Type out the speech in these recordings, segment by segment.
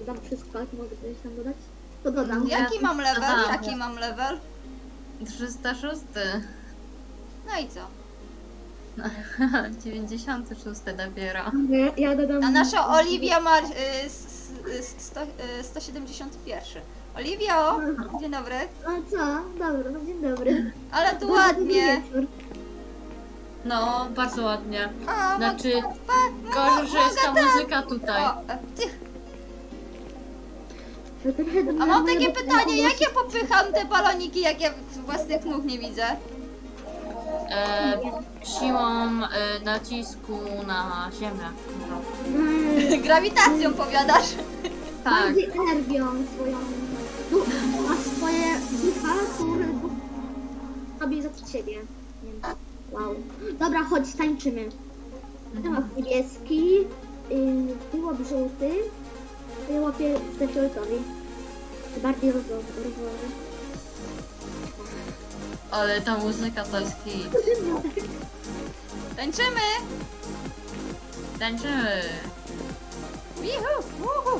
dodam wszystko, jak mogę coś tam dodać. To dodam. Jaki mam level? Aha. Jaki mam level? 306. No i co? 96 dopiero. Ja dodam... A nasza Oliwia ma 171. Oliwia, o, dzień dobry. A co? Dobra, no dzień dobry. Ale tu Dobry ładnie. wieczór. No, bardzo ładnie. A, Znaczy, gorzej, że jest ta muzyka tutaj. O, ty. To trochę do A mnie mam moje takie bo- pytanie, jak ja popycham te baloniki, jak ja własnych nóg nie widzę? Siłą nacisku na ziemię. No. Grawitacją powiadasz? Tak. Bardziej energią swoją. Masz swoje ducha, które robi za ciebie. Więc wow. Dobra, chodź, tańczymy. Ja mam niebieski, ty łap żółty, ja łapię te fioletowi. To bardziej rozwojowy. Ale ta muzyka to jest hit. Tańczymy! Tańczymy. Wihu, uhu.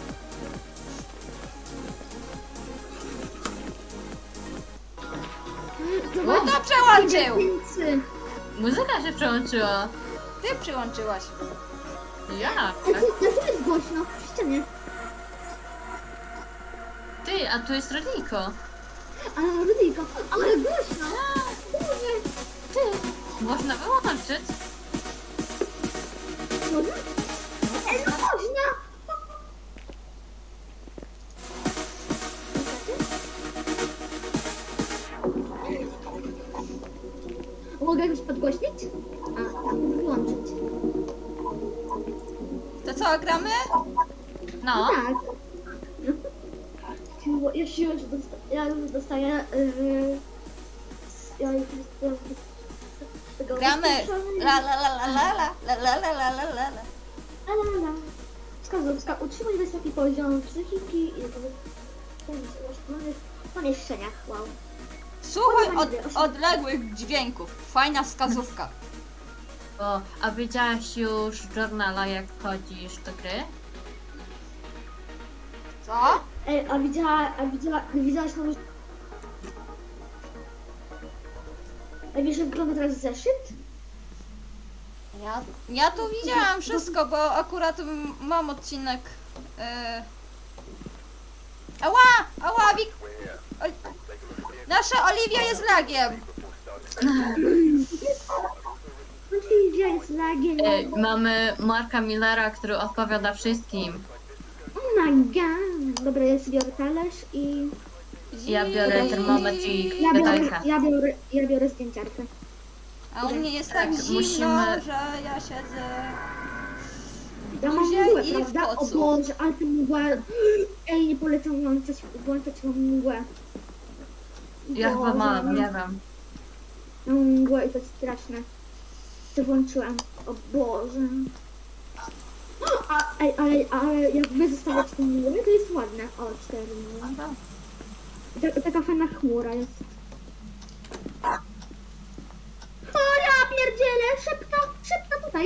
No to przełączył! Muzyka się przełączyła. Ty przyłączyłaś. Jak? A tu jest głośno, w ścianie. Ty, a tu jest Rodniko. Ale Rudyjko, ale głośno! Boże, ty! Można wyłączyć. Można? Ej, no można! Mogę już podgłośnić? A, tak, wyłączyć. To co, gramy? No. Tak. Bo ja już dostaję... ja już dostaję... tego Gramy! wyskoczenia. La la la la la la la la la la la la. La. Wskazówka. Utrzymaj wysoki poziom psychiki i pomieszczenia. Wow. Słuchaj odległych dźwięków. Fajna wskazówka. A widziałaś już w journala, jak wchodzisz do gry? Co? Ej, widziałaś tam... A wiesz, jak wygląda teraz zeszyt? Ja tu widziałam wszystko, bo akurat mam odcinek. Ała! Ała! Nasza Oliwia jest lagiem. Oliwia jest lagiem. Mamy Marka Millera, który odpowiada wszystkim. Oh my god. Dobra, ja sobie biorę talerz i... Ja biorę termometr i Ja gadajkę. biorę zdjęciarkę. A u mnie jest tak Tak, zimno, musimy- że ja siedzę. Ja mam Buzie mgłę, i w prawda? O kocu. Boże, ale tę mgłę... Ej, nie polecam włączać mam mgłę. Ja chyba Boże, mam, nie wiem. Mam mgłę i to jest straszne. To włączyłam. O Boże. Ale jak wy zostawiacie tę mgłę, to jest ładne. O, 4 mgły. Taka fajna chmura jest. O, ja pierdzielę! Szybko, tutaj.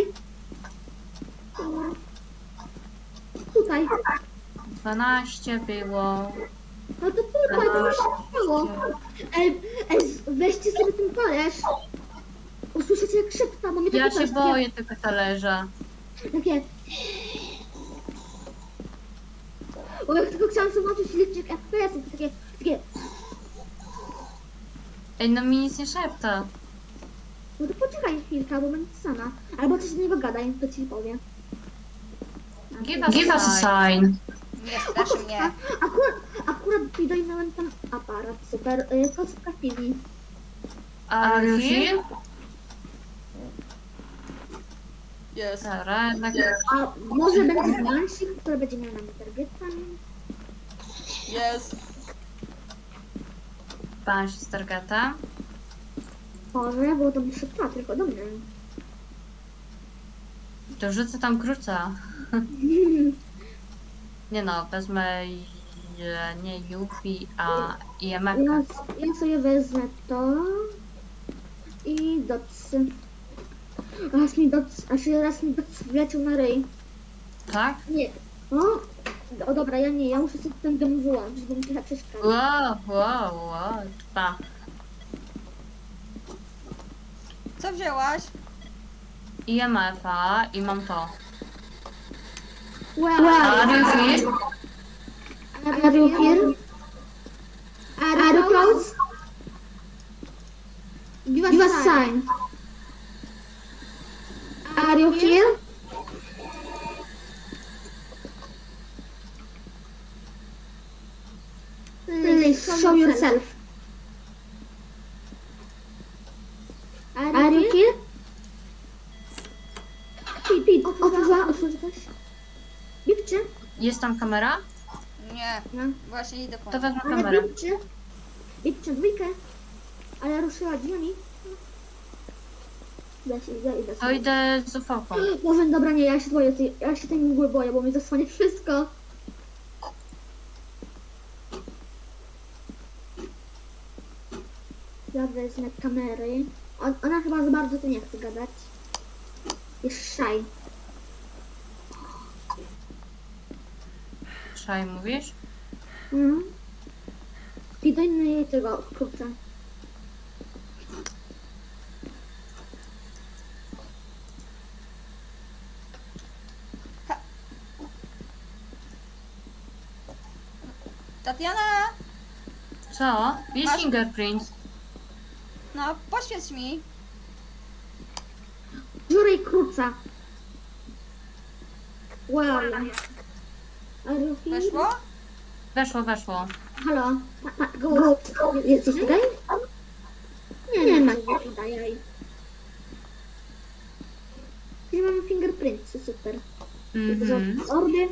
Tutaj. 12 było. No to tutaj, to już się stało. Ej, weźcie sobie ten talerz. Usłyszycie jak szepta, bo mnie Ja takie się boję tego talerza. Takie... Bo jak tylko chciałam zobaczyć licznik FPS, to takie... Ej, no mi nic nie szepta. No to poczekaj chwilkę, bo będę sama. Albo coś do niego gadaj, to ci powiem. Give us a sign. Nie straszy mnie. Akurat dojrzałem ten aparat, super. Kostka chwili. Are you here? Jest. Dobra, jednak... A może będzie Nansik, który będzie miał na mnie targeta? Jest. Pan się z targeta. Może, bo to muszę tylko do mnie. To rzucę tam kruca. Nie no, wezmę nie Yuffie, a IMF. Ja sobie wezmę to i dotsy. Raz mi dots wleciał na ryj. Tak? Nie. O, O dobra, ja nie, ja muszę sobie ten dom wyłączyć, bo mi trochę przeszkadza. Wow, dwa. Co wzięłaś? IMF-a i mam to. Wow. Are you here? Are you here? Are you close? Give us sign. Are you here? Please show yourself. Are you here? Pete, otworzyłaś? Bipczy? Jest tam kamera? Nie, No. właśnie idę po To nią. wezmę Ale kamerę. bipczy dwójkę. Ale ruszyła drzwiami. Idę To idę z ufałką. Może dobra, nie, ja się boję, ja się tej mgły boję, bo mi zasłania wszystko. Ja wezmę kamery. Ona chyba za bardzo tu nie chce gadać. Jest szaj. Szaj mówisz? Mhm. I do innej tego kurczę. Tatiana! Co? Jest Masz- fingerprint. No, poświeć mi. Dziury i kruca. Wow. Are you here? Weszło? Weszło. Halo? Go. Jesteś tutaj? Nie ma go tutaj. Gdzie mamy fingerprintsy, super. Mhm. Ordy.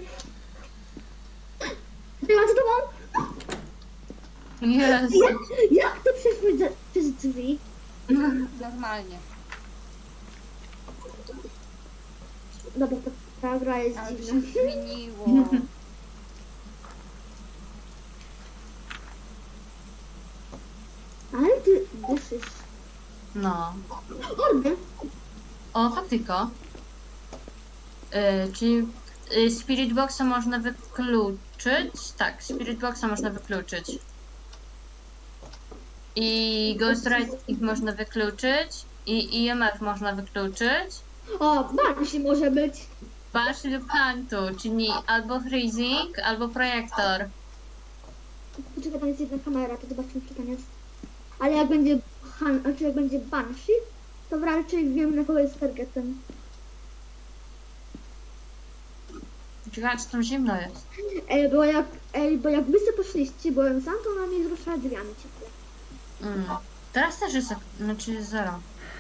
Była z tobą? Jest. Jak to przeszło przez drzwi? Normalnie. Dobra, ta gra jest Ale to się dziwna. zmieniło. Ale ty dyszysz. No. Ordy? O, faktyko. Czyli Spirit Boxa można wykluczyć? Tak, Spirit Boxa można wykluczyć. I Ghost Riding można wykluczyć. I IMF można wykluczyć. O, Banshee może być. Banshee lub Hantu, czyli albo Freezing, albo Projektor. Poczekaj, tam jest jedna kamera, to zobaczymy, czy tam jest. Ale jak będzie, znaczy jak będzie Banshee, to raczej wiem, na kogo jest targetem. Ciekawe, czy tam zimno jest. Bo jak wy sobie poszliście, byłem sam, to ona mnie zruszała drzwiami ciepłe. Teraz też jest, znaczy 0.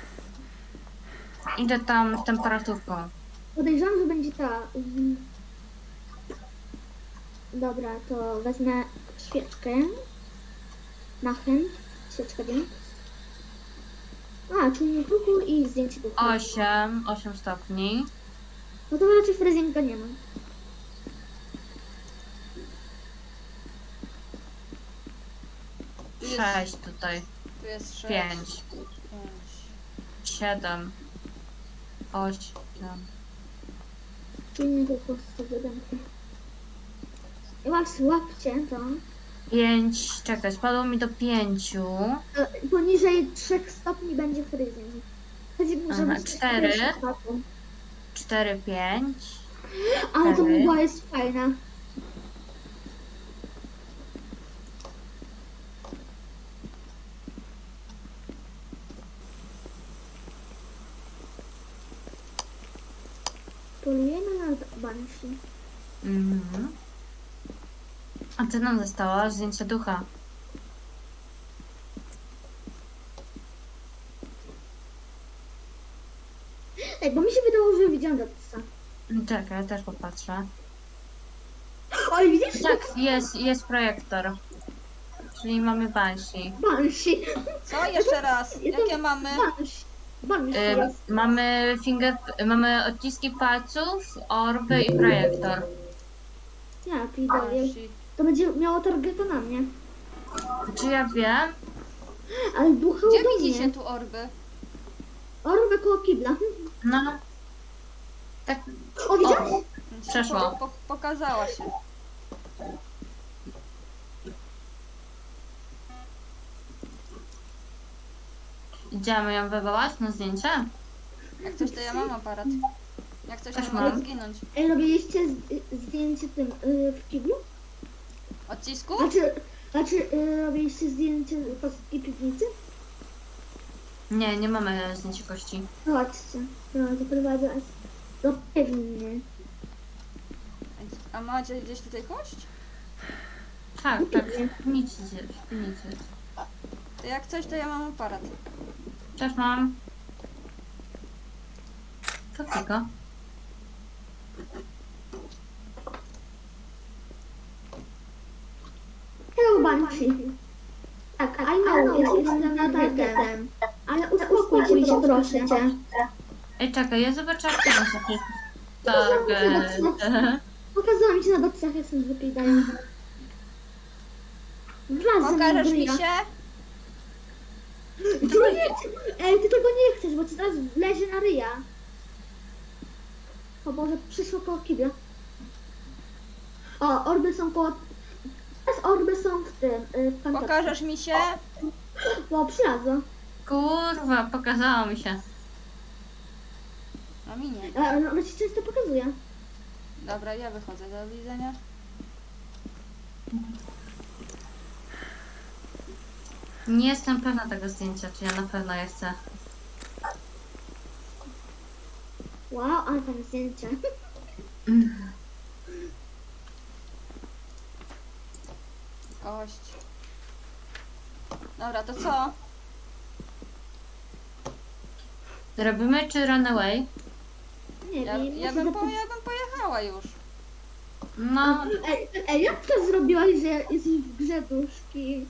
Idę tam z temperaturką. Podejrzewam, że będzie ta... Dobra, to wezmę świeczkę. Na chęć. Świeczkę wiem. Czyli kruku i zdjęcie ducha. 8 stopni. No to raczej freezinga nie ma. Tu jest, 6 tutaj. tu jest 6. 5, 7, 8. Czyli nie tylko sobie dękę. I właśnie łapcie to. 5, czekaj, spadło mi do 5. Poniżej 3 stopni będzie freezing. Freezing może Aha, być 4. 4 stopni. 4, 5. Ale to 4. mgła jest fajna. Polujemy na Banshee. Mhm. A co nam zostało? Zdjęcie ducha. Bo mi się wydało, że widziałam Dotsa. Czekaj, ja też popatrzę. Oj, widzisz? Tak, jest projektor. Czyli mamy Banshee. Banshee. Co? Jeszcze raz. Ja to- Jakie mamy? Banshee jest. Mamy odciski palców, orby i projektor. Ja pierdolę. Banshee. To będzie miało targeta na mnie. Czy ja wiem? Ale ducha Gdzie do widzicie mnie. tu orby? Orwę koło kibla. No. Tak. O, widziałeś? Przeszło. Pokazała się. Idziemy ją wywołać na zdjęcie? Jak coś, to ja mam aparat. Jak coś, Też to mam. mogę zginąć. Ej, robiliście zdjęcie tym w kiblu? Odcisku? Znaczy robiliście zdjęcie polskiej piwnicy? Nie, nie mamy zdjęcia kości. Chodźcie, no zaprowadzę was do pewnie. A macie gdzieś tutaj kość? Tak, tak, w piwnicy jest. To jak coś, to ja mam aparat. Też mam. Co tylko? Hello, Banshee. Tak, I know, jestem targetem. Ale uspokój się, proszę cię. Ej, czekaj, ja zobaczę jak to jest. Tak, Pokazałam ci na docach, jak są wypiegają. Pokażesz mi się? Ej, ty tego nie chcesz, bo ci teraz lezie na ryja. O Boże, przyszło koło kibla. O, orby są koło... Teraz orby są w tym, w kantorze. Pokażesz mi się? O, przylazło. kurwa, pokazało mi się. A mi nie. No, ona ci często pokazuje. Dobra, ja wychodzę. Do widzenia. Nie jestem pewna tego zdjęcia, czy ja na pewno je chcę. Wow, ale tam zdjęcie. Kość. Dobra, to co? Robimy czy runaway? Nie Ja, wiem. ja bym pojechała już. No, Ej, jak to zrobiłaś, że jesteś w grze duszki?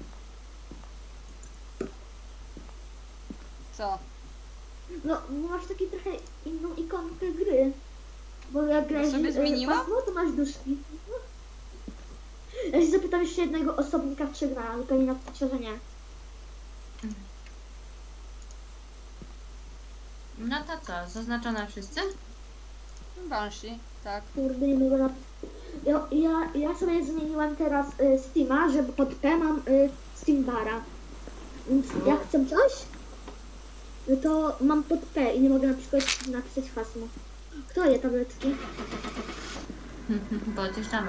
Co? No, masz taki trochę inną ikonkę gry. Bo jak grasz sobie zmieniła? pasmo, to masz duszki. Ja się zapytam jeszcze jednego osobnika, czy gra, ale pewnie napisze, że nie. no to co, zaznaczone wszyscy? Banshee, tak. Kurde, nie mogę ja sobie zmieniłam teraz Steama, żeby pod P mam Steam Bara. Więc jak chcę coś, no to mam pod P i nie mogę na przykład napisać hasło. Kto je tabletki? Bo odjeżdżamy.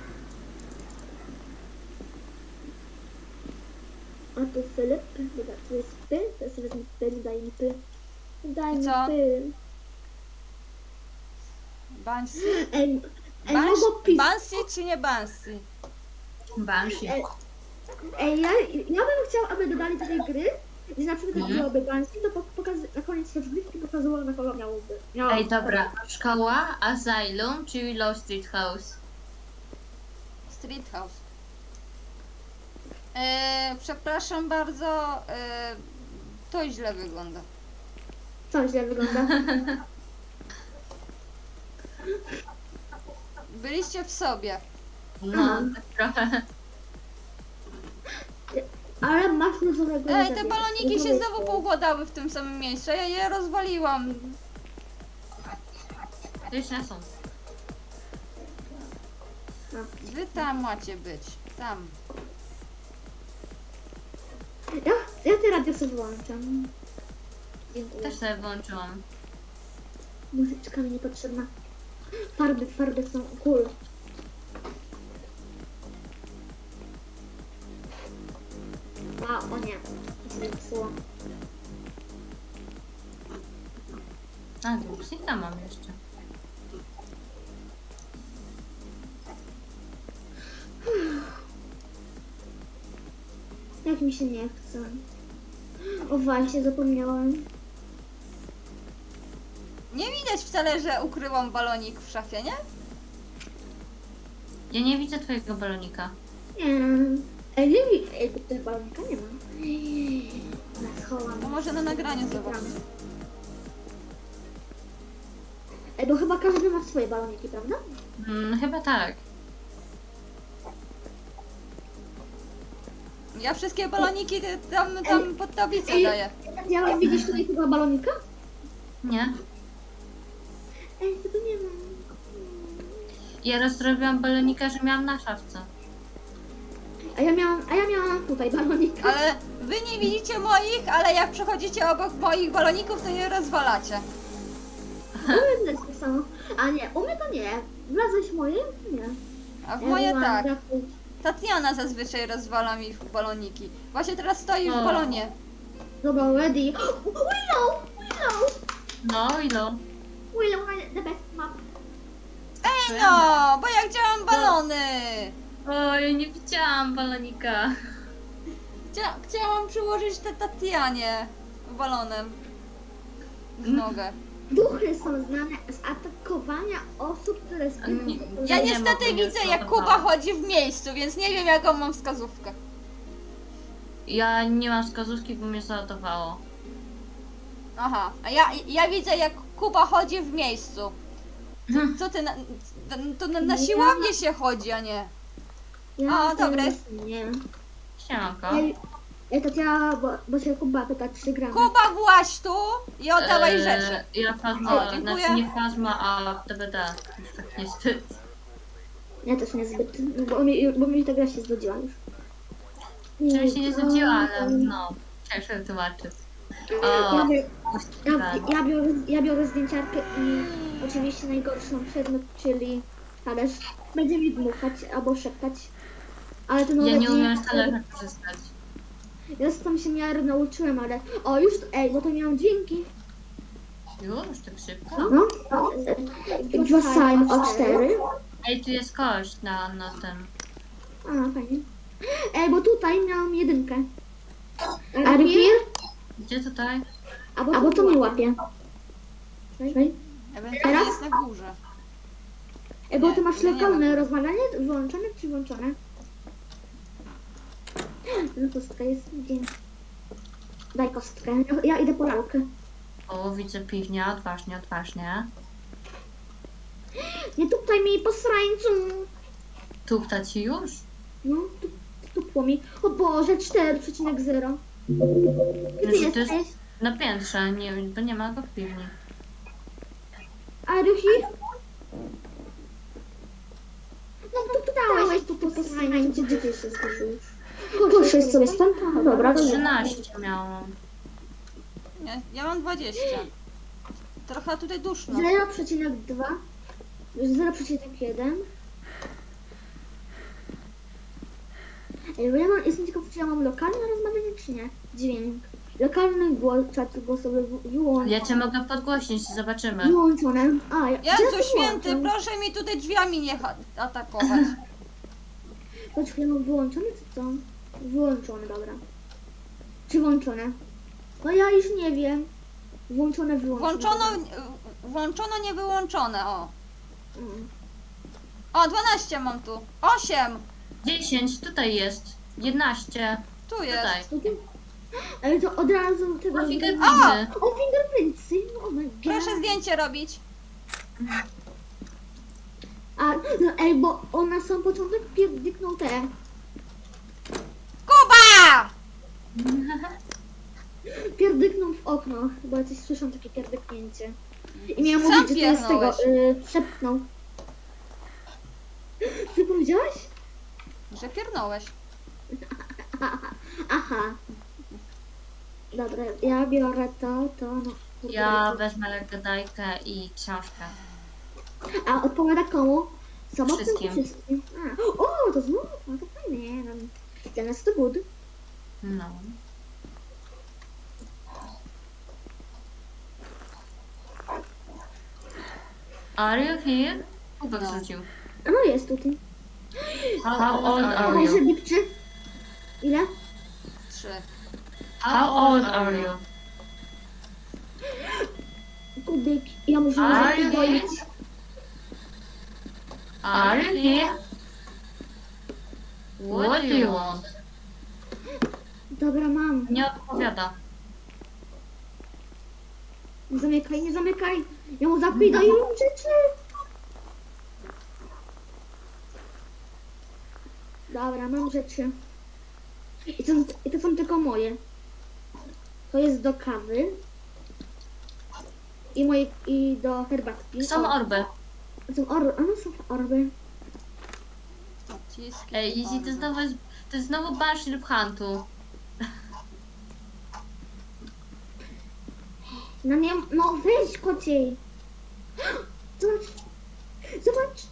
A tu Filip, dobra, tu jest P, to ja sobie wezmę P, daj mi P. Daj I mi co? P. Banshee? Ej, mogło pisać. Banshee czy nie Banshee? Banshee. Ej, ja bym chciała, aby dodali do tej gry, że na przykład jak byłoby Banshee, to na koniec rozgrywki pokazywało, na kogo miałoby. Ej, dobra, szkoła, asylum czy Willow Street House? Street House. Przepraszam bardzo, to źle wygląda. Co źle wygląda? Byliście w sobie. No, tak trochę. Ale masz różowego. Ej, te baloniki się znowu poukładały w tym samym miejscu. Ja je rozwaliłam. Już nie są. Wy tam macie być. Tam. Ja te radio sobie włączam. Dziękuję. Też sobie włączyłam. Muzyczka mi niepotrzebna. Farby są cool. O nie, to się zepsuło. A, Duxita mam jeszcze. Jak mi się nie chce. O właśnie, zapomniałam. Nie widać wcale, że ukryłam balonik w szafie, nie? Ja nie widzę twojego balonika. Nie. Ej, tutaj balonika nie ma. Ja schowam. No może na nagraniu zobaczyć. Ej, bo chyba każdy ma swoje baloniki, prawda? Chyba tak. Ja wszystkie baloniki tam pod tablicę daję. Ja widzisz tutaj chyba balonika? Nie? Ej, tego nie ma. Ja rozrobiłam balonika, że miałam na szafce. A ja miałam tutaj balonik. Ale wy nie widzicie moich, ale jak przechodzicie obok moich baloników, to je rozwalacie. U mnie tak samo. A nie, u mnie to nie. Wlazłeś w moje? Nie. A w Ja moje byłam tak. trafić. Tatiana zazwyczaj rozwala mi baloniki. Właśnie teraz stoi w O. balonie. Dobra, ready. No i no. Willow, the best map. Ej no, bo ja chciałam balony. Oj, nie widziałam balonika. Chciałam przyłożyć tę Tatianie balonem w nogę. Duchy są znane z atakowania osób, które Nie. zbytnio... Ja Nie niestety mogę, nie widzę, jak zbudowałam. Kuba chodzi w miejscu, więc nie wiem, jaką mam wskazówkę. Ja nie mam wskazówki, bo mnie załadowało. Aha, a ja widzę, jak Kuba chodzi w miejscu. Co ty, to na siłownię się chodzi, a nie. O, dobre. Nie. Siemanko. Ej, Tatiana, bo się Kuba pyta, czy gramy. Kuba, właź tu i oddawaj rzeczy. Ja plazma, O, dziękuję. znaczy nie plazma, a DBD. Już tak niestety. Ja też niezbyt, bo mi ta gra się zgodziła już. Czyli się nie znudziła, ale no. Ciężko wytłumaczyć. O, Ja biorę zdjęciarkę i oczywiście najgorszą przedmiot, czyli talerz. Będzie mi dmuchać albo szeptać. Ale to ja nie umiem z talerza korzystać. Ja tam się miarę nauczyłem, ale... O, już... Ej, bo to miałam dźwięki. Już, tak szybko? No. Dostałem O4. Ej, tu jest kość na ten. A, fajnie. Ej, bo tutaj miałam jedynkę. A repair? Gdzie tutaj? Albo to mi łapie. Ej, Ewentualnie jest na górze. bo Nie, ty masz nie lokalne ma. rozmawianie wyłączone czy włączone? No kostka jest gdzie? Daj kostkę. Ja idę po lalkę. O, widzę piwnia, odważnie, odważnie. Nie tutaj mi po srańcu. Tupta ci już? No, tupło mi. O Boże, 4,0. Gdzie ty Że to jest jesteś? na piętrze, nie, bo nie ma go w piwni. A Rychi? No to dałeś tu po srańcu. Gdzie ty się zgłosiłeś? Poszłeś sobie stąd? No dobra, dobra. 13 miałam. Nie, ja mam 20. Trochę tutaj duszno. 0,2. 0,1. Ej, bo jestem ciekaw, czy ja mam lokalne rozmawianie, czy nie? Dźwięk. Lokalny głos, czat głosowy wyłączony. Ja cię mogę podgłośnić, zobaczymy. Wyłączone. A, ja Jezu to święty, wyłączam. proszę mi tutaj drzwiami nie atakować. Poczekaj, mam wyłączone czy co? Wyłączone, dobra. Czy włączone? No ja już nie wiem. Włączone, wyłączone. Włączono, nie wyłączone, o. Mm. O, 12 mam tu. 8. 10, tutaj jest. 11, Tu jest. tutaj. Tutaj? Ale to od razu tego... O, fingerprinty. O, fingerprintsy. Oh my god. Proszę zdjęcie robić. A, no, ej, bo on na sam początek pierdyknął te. Kuba! Pierdyknął w okno. Bo ja coś słyszałam takie pierdyknięcie. I miałam Sam mówić, że to jest tego. pierdnąłeś. Szepnął. Co powiedziałaś? Że piernąłeś. Aha. Dobra, ja biorę to, no. Ja wezmę gadajkę i książkę. A odpowiada komu? Samotnym czy Wszystkim. wszystkim? A, o, to znów, no to fajnie. No. Dla nas to good. No. Are you here? Kubek No. rzucił. A no jest tutaj. How old are Dawaj, you? że lipczy. Ile? 3. How old are you? Kubik. Ja muszę Are you zapokoić. here? Are you here? What do you want? Dobra, mam. Nie odpowiada. Nie zamykaj, nie zamykaj. Ja mu zapidaję rzeczy. Dobra, mam rzeczy. I to są tylko moje. To jest do kawy. I do herbatki. Są orby. Są orby. A no są orby. Ciski. Ej, Izzy, to jest znowu Banshee lub Huntu. No nie, no weź kociej. Zobacz. Zobacz.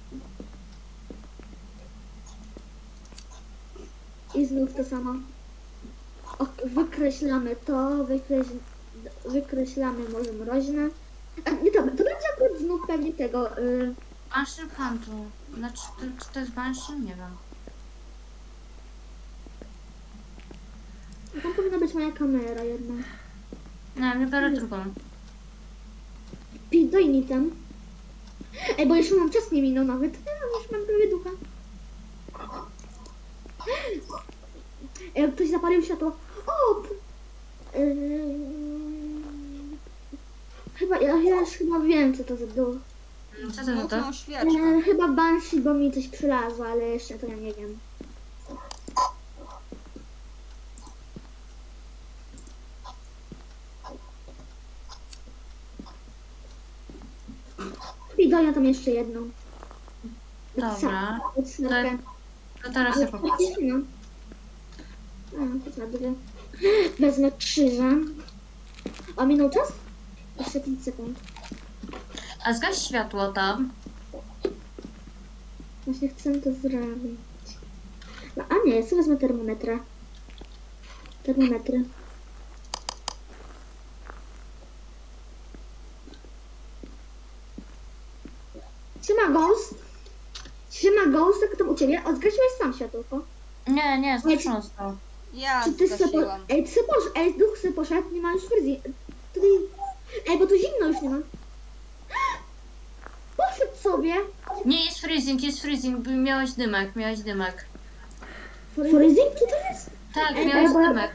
I znów to samo. O, wykreślamy to, wykreślamy może mroźne. A, nie, to będzie akurat znów pewnie tego. Banshee lub Huntu. Znaczy, czy to jest Banshee? Nie wiem. Tam powinna być moja kamera jedna. Nie, nie biorę drugą. Daj mi tam. Ej, bo jeszcze mam czas nie minął nawet. Ja już mam prawie ducha. Ej, jak ktoś zapalił światło. O! Chyba, ja już chyba wiem, co to za duch. Co to za to? Mocną świeczkę. Chyba Banshee, bo mi coś przylazło, ale jeszcze to ja nie wiem. I daję tam jeszcze jedną. Dobra. Snapę. To teraz ja popatrzę. No. A, to za dwie. Wezmę krzyża. A minął czas? Jeszcze 5 sekund. A zgaś światło tam. Właśnie chcę to zrobić. No, a nie, co wezmę termometra. Termometry. Siema Ghost. Siema Ghost, jak tam u ciebie? O, zgasiłeś sam światłko. Nie, zgaszone zostało. Ja Czy ty se zgasiłam. Ej, ty se ej, duch se poszedł, nie ma już fryzji. Tutaj... Ej, bo tu zimno już nie ma. Poszedł sobie. Nie, jest freezing, bo miałeś dymek. Freezing? Co to jest? Tak, Ej, miałeś bo- dymek.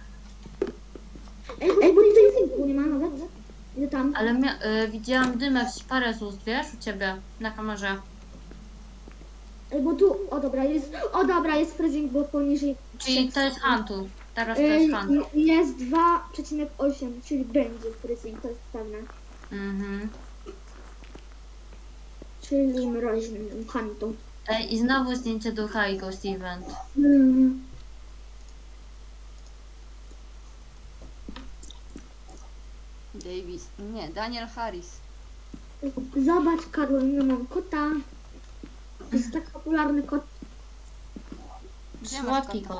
Ej, bo tutaj zimku nie ma nawet. Idę tam. Ale widziałam dymek z parę z ust, wiesz, u ciebie, na kamerze. Ej, bo tu... O dobra, jest freezing, bo poniżej... Czyli to jest Huntu. Teraz to Ej, jest Huntu. jest 2,8, czyli będzie freezing, to jest pewne. Mhm. Czyli mroźnym hantu. Ej, i znowu zdjęcie ducha i Ghost Event. Davis. Nie, Daniel Harris. Zobacz, Karolina, mam kota. To jest tak popularny kot Gdzie masz Słodki kota? kot.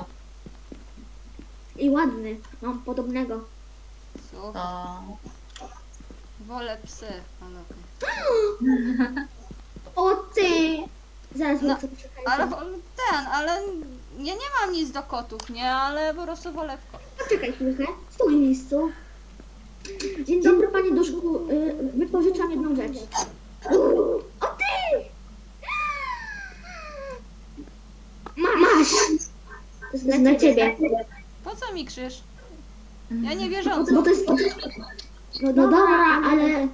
i ładny. Mam podobnego. Słuchaj, To... wolę psy. Ale, okej. O ty! Zaraz No, muszę przekazać. ale ja nie mam nic do kotów, nie? Ale po prostu wolę w kot. Poczekaj chwilkę, stój w miejscu. Dzień dobry, panie Duszku. Wypożyczam jedną rzecz. O ty! Masz! To jest dla ciebie. Po co mi krzyż? Ja nie wierząca. Bo to jest... No dobra, ale...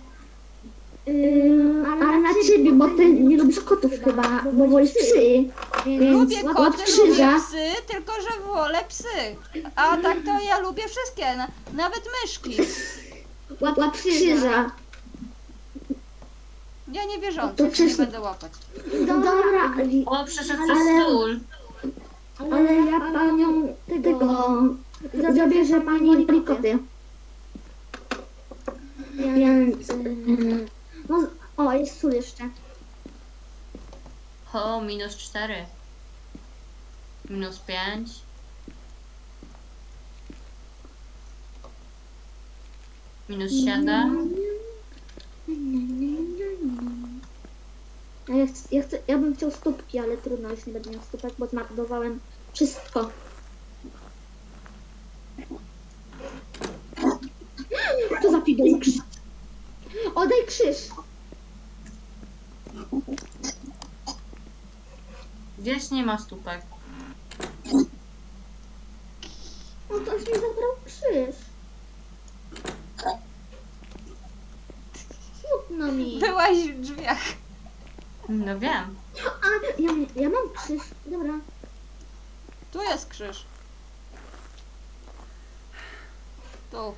ale na ciebie, bo ty nie lubisz kotów chyba, bo wolisz psy. Więc Lubię łap koty, krzyża. lubię psy, tylko że wolę psy. A tak to ja lubię wszystkie, nawet myszki. Łap krzyża. Ja nie wierząca, To nie przecież- będę łapać. Dobra, O, przeszedł przez Ale- stół. ale ja panią tego... Zabierze pani plikoty. Więc... No, o, jest sól jeszcze. O, -4. -5. -7. Ja bym chciał stópki, ale trudno, już nie będę miał stópek, bo zmarnowałem wszystko. Co za fidel krzyż? Oddaj krzyż! Wiesz, nie ma stópek. No to mi zabrał krzyż. Smutno mi. Byłaś w drzwiach. No wiem. A, ja mam krzyż. Dobra. Tu jest krzyż. Tu.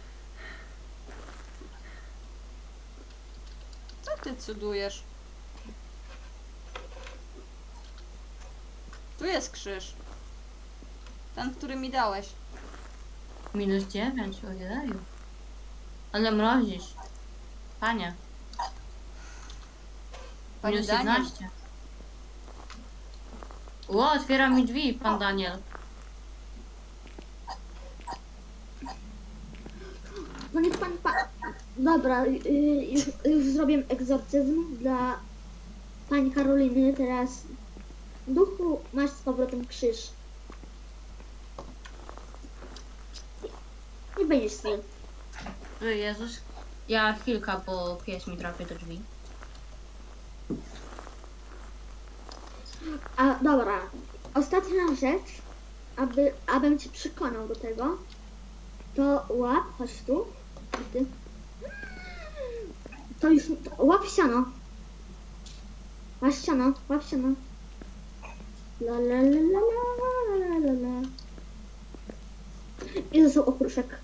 Co ty cudujesz? Tu jest krzyż. Ten, który mi dałeś. -9, ojeju. Ale mrozisz. Panie. Panie Minus Daniel. 11. Ło, otwiera mi drzwi, pan Daniel. No niech pani Dobra, już zrobię egzorcyzm dla pani Karoliny. Teraz duchu masz z powrotem krzyż. Nie będziesz zły. Jezus. Ja chwilkę, bo pies mi trafi do drzwi. A dobra, ostatnia rzecz, abym cię przekonał do tego, to łap, chodź tu. I ty. To już, łap siano. Masz siano, łap siano. La la la la la la la la. I został okruszek.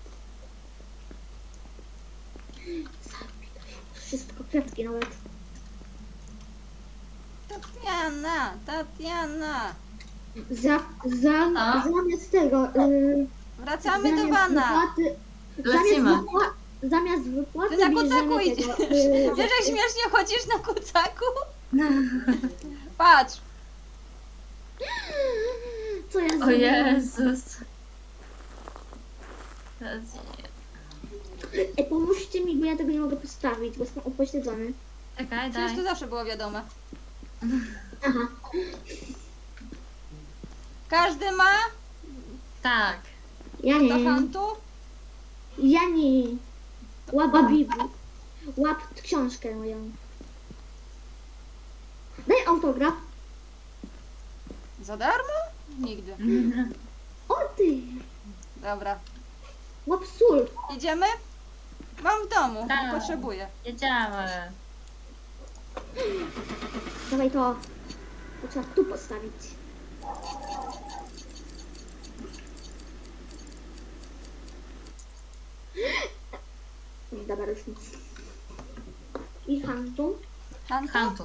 Wszystko, kwiatki nawet. Tatiana. Zamiast tego. Wracamy do wana. Lecimy. Zamiast wypłaty. Ty na bierzemy kucaku tego, idziesz. Wiesz, jak śmiesznie chodzisz na kucaku? Patrz. Co ja O zrobiłam? Jezus. Ej, pomóżcie mi, bo ja tego nie mogę postawić, bo jestem upośledzony. Czekaj, Przecież daj. to zawsze było wiadome. Aha. Każdy ma? Tak. Ja Do nie. hantu? Ja nie. Łap Biblię. Łap książkę moją. Daj autograf. Za darmo? Nigdy. O ty. Dobra. Łap sól. Idziemy? Mam w domu, Tak. nie potrzebuję. Jedziemy. Dawaj to. To trzeba tu postawić. Dobra, już nic. I hantu. Hantu? Hantu.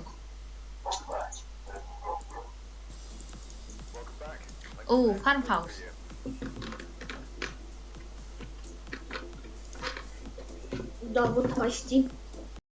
Farmhouse. Dowód kości.